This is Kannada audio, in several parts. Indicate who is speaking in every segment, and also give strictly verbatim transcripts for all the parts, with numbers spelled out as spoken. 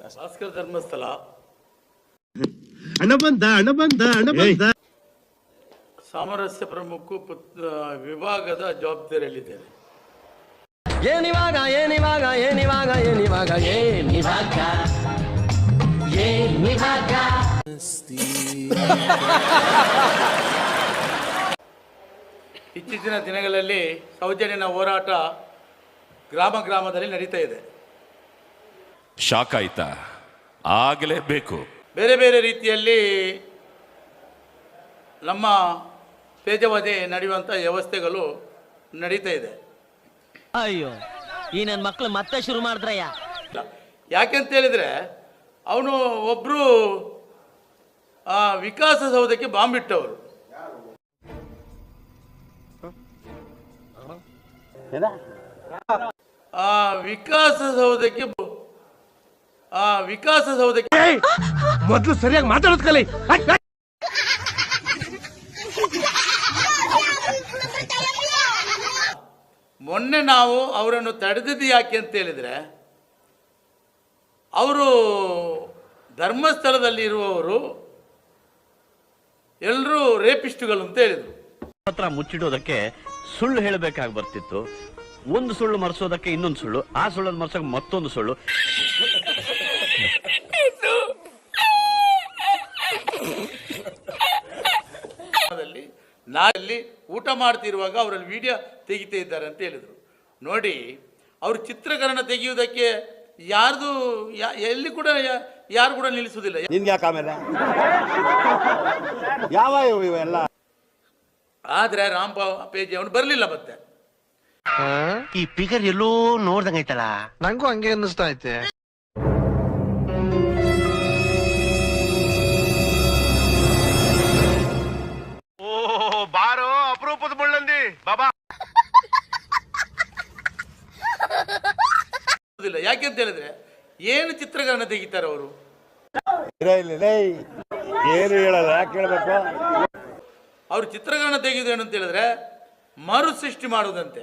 Speaker 1: ಭಾಸ್ಕರ್ ಧರ್ಮಸ್ಥಳ
Speaker 2: ಹಣ ಬಂದ ಹಣ ಬಂದ ಹಣ ಬಂದ
Speaker 1: ಸಾಮರಸ್ಯ ಪ್ರಮುಖ ವಿಭಾಗದ ಜವಾಬ್ದಾರಿಯಲ್ಲಿದ್ದೇನೆ.
Speaker 3: ಏನಿವಾಗ ಏನಿವಾಗ ಏನಿವಾಗ ಏನಿವಾಗ ಏನಿವಾಗ ಏನಿವಾಗ
Speaker 1: ಇತ್ತೀಚಿನ ದಿನಗಳಲ್ಲಿ ಸೌಜನ್ಯನ ಹೋರಾಟ ಗ್ರಾಮ ಗ್ರಾಮದಲ್ಲಿ ನಡೀತಾ ಇದೆ.
Speaker 4: ಶಾಕ್ ಆಯ್ತಾ? ಆಗಲೇಬೇಕು.
Speaker 1: ಬೇರೆ ಬೇರೆ ರೀತಿಯಲ್ಲಿ ನಮ್ಮ ತೇಜವಧೆ ನಡೆಯುವಂಥ ವ್ಯವಸ್ಥೆಗಳು ನಡೀತಾ ಇದೆ.
Speaker 3: ಅಯ್ಯೋ ಈ ನನ್ನ ಮಕ್ಕಳು ಮತ್ತೆ ಶುರು ಮಾಡಿದ್ರಯ್ಯ.
Speaker 1: ಯಾಕೆಂತ ಹೇಳಿದರೆ ಅವನು ಒಬ್ಬರು ವಿಕಾಸಸೌಧಕ್ಕೆ ಬಾಂಬ್ ಇಟ್ಟವರು. ಆ ವಿಕಾಸಸೌಧಕ್ಕೆ ಆ ವಿಕಾಸಸೌಧಕ್ಕೆ
Speaker 2: ಮೊದಲು ಸರಿಯಾಗಿ ಮಾತಾಡೋದು ಕಲಿ.
Speaker 1: ಮೊನ್ನೆ ನಾವು ಅವರನ್ನು ತಡೆದಿದ್ದು ಯಾಕೆ ಅಂತ ಹೇಳಿದರೆ ಅವರು ಧರ್ಮಸ್ಥಳದಲ್ಲಿ ಇರುವವರು ಎಲ್ಲರೂ ರೇಪಿಸ್ಟ್ಗಳು ಅಂತ ಹೇಳಿದರು.
Speaker 5: ಹತ್ರ ಮುಚ್ಚಿಡೋದಕ್ಕೆ ಸುಳ್ಳು ಹೇಳಬೇಕಾಗಿ ಬರ್ತಿತ್ತು. ಒಂದು ಸುಳ್ಳು ಮರೆಸೋದಕ್ಕೆ ಇನ್ನೊಂದು ಸುಳ್ಳು, ಆ ಸುಳ್ಳನ್ನು ಮರೆಸೋಕೆ ಮತ್ತೊಂದು ಸುಳ್ಳು.
Speaker 1: ನಾನಲ್ಲಿ ಊಟ ಮಾಡ್ತಿರುವಾಗ ಅವರಲ್ಲಿ ವಿಡಿಯೋ ತೆಗಿತಾ ಇದ್ದಾರೆ ಅಂತ ಹೇಳಿದರು. ನೋಡಿ, ಅವರು ಚಿತ್ರೀಕರಣ ತೆಗೆಯುವುದಕ್ಕೆ ಯಾರ್ದು ಎಲ್ಲಿ ಕೂಡ ಯಾರು ಕೂಡ ನಿಲ್ಲಿಸುವುದಿಲ್ಲ.
Speaker 6: ನಿನ್ಗೆ ಯಾಕೆ ಆಮೇಲೆ ಯಾವ ಇವೆಲ್ಲ?
Speaker 1: ಆದರೆ ರಾಮ್ ಪೇಜಿ ಅವನು ಬರಲಿಲ್ಲ. ಮತ್ತೆ
Speaker 6: ಈ ಫಿಗರ್ ಎಲ್ಲೋ ನೋಡ್ದಂಗೈತಲ್ಲ,
Speaker 7: ನಂಗೂ ಹಂಗೆ ಅನ್ನಿಸ್ತಾ ಐತೆ.
Speaker 6: ಓ ಬಾರೋ ಅಪರೂಪದ ಮುಳ್ಳಂದಿ ಬಾಬಾ.
Speaker 1: ಯಾಕೆ ಅಂತ ಹೇಳಿದ್ರೆ ಏನು ಚಿತ್ರಕರಣ ತೆಗಿತಾರೆ ಅವರು?
Speaker 6: ಏನು ಹೇಳಲ್ಲ, ಯಾಕೆ ಹೇಳ್ಬೇಕು?
Speaker 1: ಅವರು ಚಿತ್ರಕರಣ ತೆಗೆಯುವುದು ಏನು ಅಂತ ಹೇಳಿದ್ರೆ ಮರು ಸೃಷ್ಟಿ ಮಾಡುವುದಂತೆ.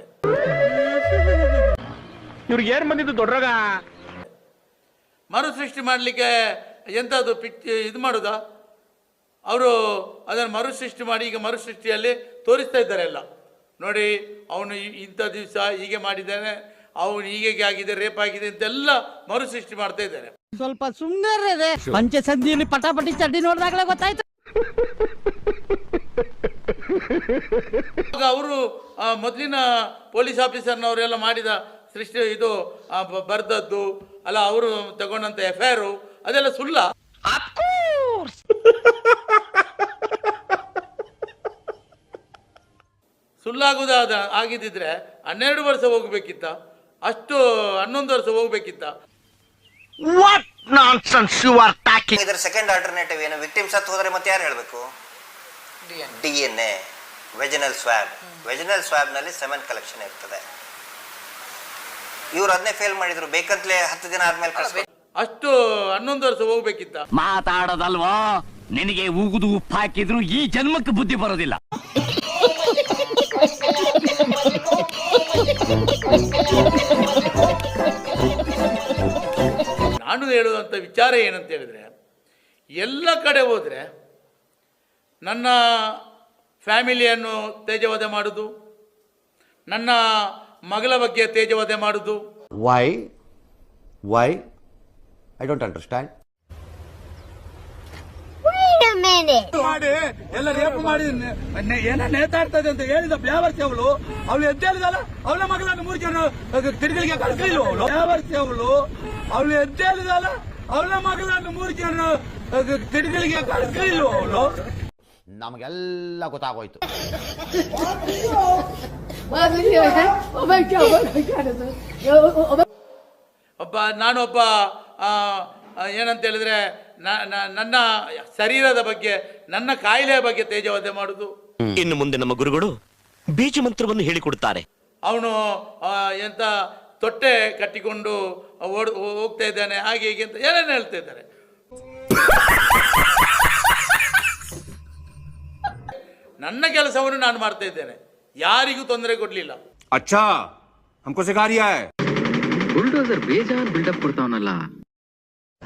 Speaker 2: ಇವ್ರಿಗೆ ಏನ್ ಬಂದಿದ್ದು ದೊಡ್ಡರಾಗ?
Speaker 1: ಮರು ಸೃಷ್ಟಿ ಮಾಡಲಿಕ್ಕೆ ಎಂಥದ್ದು ಪಿಕ್ ಇದು ಮಾಡುದಾ? ಅವರು ಅದನ್ನು ಮರು ಸೃಷ್ಟಿ ಮಾಡಿ ಈಗ ಮರು ಸೃಷ್ಟಿಯಲ್ಲಿ ತೋರಿಸ್ತಾ ಇದ್ದಾರೆ ಎಲ್ಲ. ನೋಡಿ, ಅವನು ಇಂಥ ದಿವಸ ಹೀಗೆ ಮಾಡಿದ್ದಾನೆ, ಅವನು ಹೀಗೆ ಆಗಿದೆ, ರೇಪ್ ಆಗಿದೆ ಅಂತೆಲ್ಲ ಮರು ಸೃಷ್ಟಿ ಮಾಡ್ತಾ ಇದ್ದಾರೆ.
Speaker 3: ಸ್ವಲ್ಪ ಸುಮ್ಮನೆ ಪಂಚೆ ಸಂಧಿಯಲ್ಲಿ ಪಟಾಪಟಿ ಚಡ್ಡಿ ನೋಡಿದಾಗಲೇ ಗೊತ್ತಾಯ್ತು.
Speaker 1: ಅವರು ಮೊದಲಿನ ಪೊಲೀಸ್ ಆಫೀಸರ್ನವರೆಲ್ಲ ಮಾಡಿದ ಸೃಷ್ಟಿ ಇದು ಬರ್ದದ್ದು ಅಲ್ಲ, ಅವರು ತಗೊಂಡಂತ ಎಫ್ ಐ ಆರ್ ಅದೆಲ್ಲ ಸುಳ್ಳ. ಸುಳ್ಳಾಗುವುದಾದ ಆಗಿದ್ದಿದ್ರೆ ಹನ್ನೆರಡು ವರ್ಷ ಹೋಗ್ಬೇಕಿತ್ತ, ಅಷ್ಟು ಹನ್ನೊಂದು ವರ್ಷ ಹೋಗ್ಬೇಕಿತ್ತ.
Speaker 8: ಇದರ ಸೆಕೆಂಡ್ ಆಲ್ಟರ್ನೇಟಿವ್ ಏನು? ವಿಕ್ಟಿಮ್ ಸತ್ತು ಹೋದರೆ ಮತ್ತೆ ಯಾರು ಹೇಳಬೇಕು? D N A, vaginal swab. Vaginal ಸ್ವಾಬ್ನಲ್ಲಿ ಸೆಮೆನ್ ಕಲೆಕ್ಷನ್ ಇರ್ತದೆ. ಇವ್ರು ಅದನ್ನೇ ಫೇಲ್ ಮಾಡಿದ್ರು, ಬೇಕಂತಲೇ ಹತ್ತು ದಿನ ಆದ್ಮೇಲೆ ಕಳಿಸ್ಬೇಕು.
Speaker 1: ಅಷ್ಟು ಹನ್ನೊಂದು ವರ್ಷ ಹೋಗ್ಬೇಕಿತ್ತ.
Speaker 5: ಮಾತಾಡೋದಲ್ವೋ, ನಿನಗೆ ಉಗುದು ಉಪ್ಪು ಹಾಕಿದ್ರು ಈ ಜನ್ಮಕ್ಕೆ ಬುದ್ಧಿ ಬರೋದಿಲ್ಲ.
Speaker 1: ನಾನು ಹೇಳುವಂಥ ವಿಚಾರ ಏನಂತ ಹೇಳಿದ್ರೆ, ಎಲ್ಲ ಕಡೆ ಹೋದರೆ ನನ್ನ ಫ್ಯಾಮಿಲಿಯನ್ನು ತೇಜವಧೆ ಮಾಡುವುದು, ನನ್ನ ಮಗಳ ಬಗ್ಗೆ ತೇಜವಧೆ ಮಾಡುವುದು.
Speaker 6: Why why I don't understand.
Speaker 1: ಮಾಡಿ ಎಲ್ಲ ರೇಪ್ ಮಾಡಿ ಏನ ನೇತಾಡ್ತದೆ ಅಂತ ಹೇಳಿದ ಬ್ಯಾವರ್ಸಿ ಅವಳು ಅವಳು ಎದ್ದೇಳಿದಲ್ಲ, ಅವಳ ಮಗಳನ್ನು ಮೂರು ಜನ ತಿರುಗಲಿಗೆ ಕಳಿಸ್ಲಿಲ್ಲ. ಅವಳು ಬ್ಯಾವರ್ಸಿ ಅವಳು ಅವಳು ಎದ್ದೇಳಿದಲ್ಲ, ಅವಳ ಮಗಳನ್ನು ಮೂರು ಜನ ತಿರುಗಲಿಗೆ ಕಳಿಸ್ಲಿಲ್ಲ. ಅವಳು
Speaker 6: ನಮಗೆಲ್ಲ ಗೊತ್ತಾಗೋಯ್ತು.
Speaker 1: ಒಬ್ಬ ನಾನೊಬ್ಬ ಏನಂತ ಹೇಳಿದ್ರೆ ನನ್ನ ಶರೀರದ ಬಗ್ಗೆ, ನನ್ನ ಕಾಯಿಲೆಯ ಬಗ್ಗೆ ತೇಜವಧೆ ಮಾಡುದು.
Speaker 5: ಇನ್ನು ಮುಂದೆ ನಮ್ಮ ಗುರುಗಳು ಬೀಜ ಮಂತ್ರವನ್ನು ಹೇಳಿಕೊಡುತ್ತಾರೆ.
Speaker 1: ಅವನು ಎಂತ ತೊಟ್ಟೆ ಕಟ್ಟಿಕೊಂಡು ಓಡ್ ಹೋಗ್ತಾ ಇದ್ದಾನೆ, ಹಾಗೆ ಹೀಗೆ ಅಂತ ಏನೇನು ಹೇಳ್ತಾ ಇದ್ದಾರೆ. ನನ್ನ ಕೆಲಸವನ್ನು ನಾನು ಮಾಡ್ತಾ ಇದ್ದೇನೆ, ಯಾರಿಗೂ ತೊಂದರೆ ಕೊಡ್ಲಿಲ್ಲ.
Speaker 9: अच्छा हमको सिखा रिया है.
Speaker 7: ಬುಲ್ಡೋಸರ್ ಬೇಜಾನ್ ಬಿಲ್ಡಪ್ ಕೊಡ್ತಾವನಲ್ಲ.